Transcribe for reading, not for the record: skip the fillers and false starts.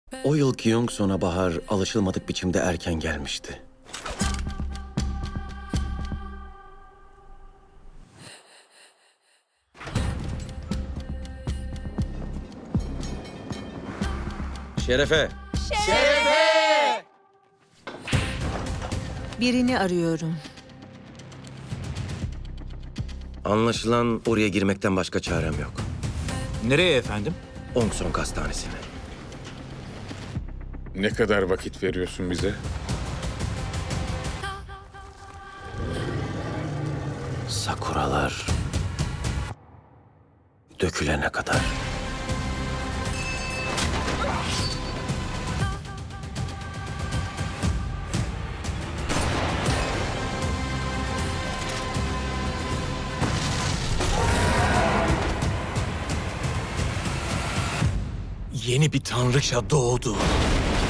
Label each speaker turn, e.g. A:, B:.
A: O yıl Gyeongseon'a bahar alışılmadık biçimde erken gelmişti. Şerefe!
B: Birini arıyorum.
A: Anlaşılan oraya girmekten başka çarem yok.
C: Nereye efendim?
A: Ongsong Hastanesi'ne.
D: Ne kadar vakit veriyorsun bize?
A: Sakuralar dökülene kadar.
C: Yeni bir tanrıça doğdu.